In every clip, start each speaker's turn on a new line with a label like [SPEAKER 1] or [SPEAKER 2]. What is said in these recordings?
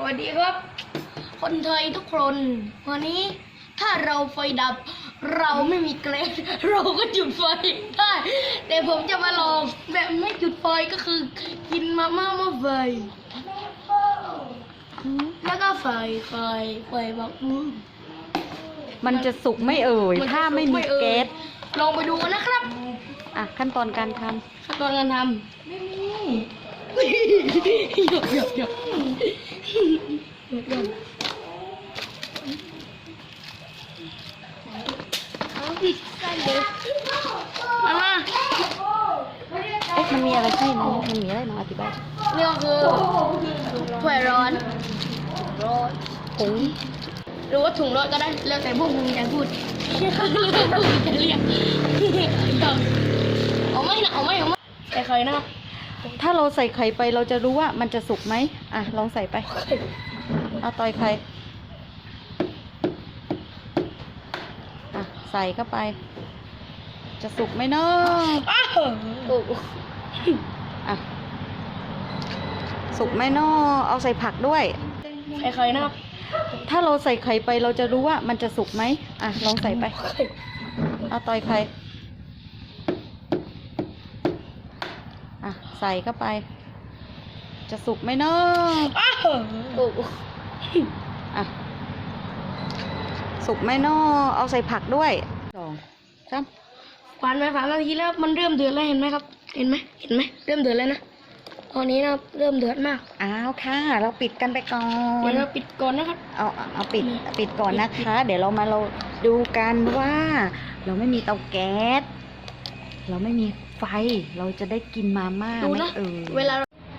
[SPEAKER 1] วัสดีครับคนไทยทุกคนวันนี้ถ้าเราไฟดับเราไม่มีแก๊สเราก็จุดไฟได้แต่ผมจะมาลองแบบไม่จุดไฟก็คือกินมาม่าหม้อไฟแล้วก็ไฟแบบ
[SPEAKER 2] มันจะสุกไม่เอ่ยถ้าไม่มีแก๊ส
[SPEAKER 1] ลองไปดูกันนะครับ
[SPEAKER 2] อ่ะขั้นตอนการทำ
[SPEAKER 1] ไม่มีหยก
[SPEAKER 2] มันมีอะไรให้นะมันมีอะไรนะอธิบาย
[SPEAKER 1] นี่ก็คือถ้วยร้อน
[SPEAKER 2] ผง
[SPEAKER 1] หรือว่าถุงร้อนก็ได้แล้วแต่พวกมึงจะพูดจะเรียกเอาไม่แต่เคยนะครับ
[SPEAKER 2] ถ้าเราใส่ไข่ไปเราจะรู้ว่ามันจะสุกไหมอ่ะลองใส่ไปเอาต่อยไข่อ่ะใส่เข้าไปจะสุกไหมเนาะอ่ะสุกไหมเนาะเอาใส่ผักด้วย
[SPEAKER 1] เคยนะครับ
[SPEAKER 2] ถ้าเราใส่ไข่ไปเราจะรู้ว่ามันจะสุกไหมอ่ะลองใส่ไปเอาต่อยไข่อ่ะใส่เข้าไปจะสุกไหมเนาะอ่ะสุกไหมเนาะเอาใส่ผักด้วย2 3
[SPEAKER 1] ผ่านไป3 นาทีแล้วมันเริ่มเดือดแล้วเห็นไหมครับเห็นไหมเริ่มเดือดแล้วนะตอนนี้นะเริ่มเดือดมาก
[SPEAKER 2] อ้าวค่ะเราปิดกันไปก่อน
[SPEAKER 1] เดี๋ยวเราปิดก่อนนะครับ
[SPEAKER 2] เอาปิดก่อนนะคะเดี๋ยวเราดูกันว่าเราไม่มีเตาแก๊สเราไม่มีไฟเราจะได้กินมาม่าไหม
[SPEAKER 1] เวลา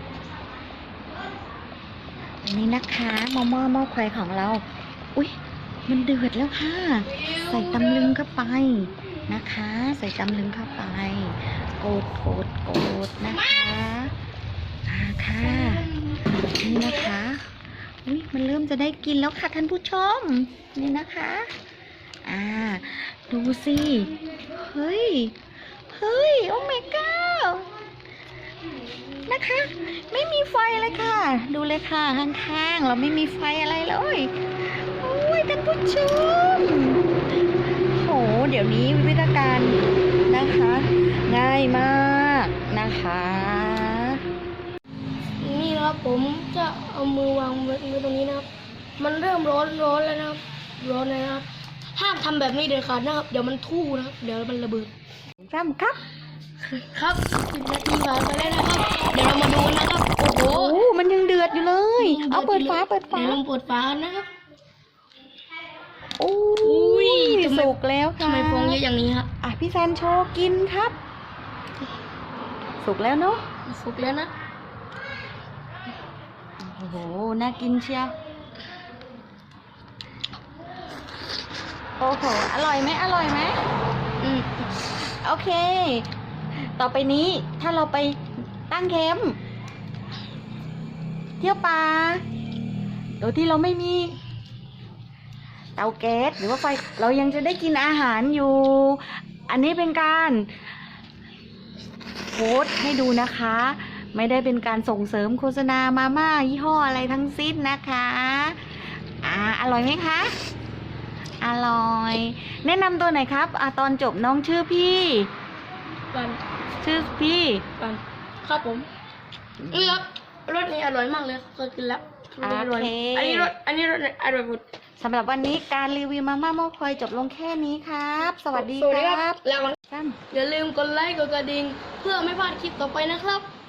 [SPEAKER 2] อันนี้นะคะหม้อไฟของเราอุ๊ยมันเดือดแล้วค่ะใส่ตำลึงเข้าไปนะคะใส่ตำลึงเข้าไปโกดนะคะค่ะนี่นะคะอุ๊ยมันเริ่มจะได้กินแล้วค่ะท่านผู้ชมนี่นะคะดูสิเฮ้ยโอ้ my god นะคะไม่มีไฟเลยค่ะดูเลยค่ะข้างๆเราไม่มีไฟอะไรเลยโอ้ยท่านผู้ชมโหเดี๋ยวนี้วิธีการนะคะง่ายมากนะคะ
[SPEAKER 1] นี่นะครับผมจะเอามือวางไว้ตรงนี้นะครับมันเริ่มร้อนแล้วนะครับร้อนเลยนะครับห้ามทำแบบนี้เด็ดขาดนะครับเดี๋ยวมันทู่นะครับเดี๋ยวมันระเบิด
[SPEAKER 2] ครับ
[SPEAKER 1] ครับ10 นาทีผ่านไปแล้วนะครับเดี๋ยวเรามาดูนะครับโอ้โห
[SPEAKER 2] มันยังเดือดอยู่เลยเอาเปิดฝา
[SPEAKER 1] ลองเปิดฝานะครับ
[SPEAKER 2] โอ้ยสุกแล้วค่ะ
[SPEAKER 1] ทำไมฟองเยอะอย่างนี้ครับ
[SPEAKER 2] พี่แซนโชว์กินครับสุกแล้วเนาะ
[SPEAKER 1] สุกแล้วนะ
[SPEAKER 2] โอ้โหน่ากินเชียวโอ้โหอร่อยไหมโอเคต่อไปนี้ถ้าเราไปตั้งแคมป์เที่ยวป่าโดยที่เราไม่มีเตาแก๊สหรือว่าไฟเรายังจะได้กินอาหารอยู่อันนี้เป็นการโพสต์ให้ดูนะคะไม่ได้เป็นการส่งเสริมโฆษณามาม่ายี่ห้ออะไรทั้งสิ้นนะคะอร่อยไหมคะอร่อยแนะนำตัวหน่อยครับตอนจบน้องชื่อพี่
[SPEAKER 1] ปัน
[SPEAKER 2] ชื่อพี่
[SPEAKER 1] ปันครับผมนี่ครับรสนี้อร่อยมากเลยเคยกินแล้วอร่อยอันนี้รสอร่อยหมด
[SPEAKER 2] สำหรับวันนี้การรีวิวมาม่าหม้อไฟจบลงแค่นี้ครับสวัสดีครับ
[SPEAKER 1] แล้วอย่าลืมกดไลค์กดกระดิ่งเพื่อไม่พลาดคลิปต่อไปนะครับ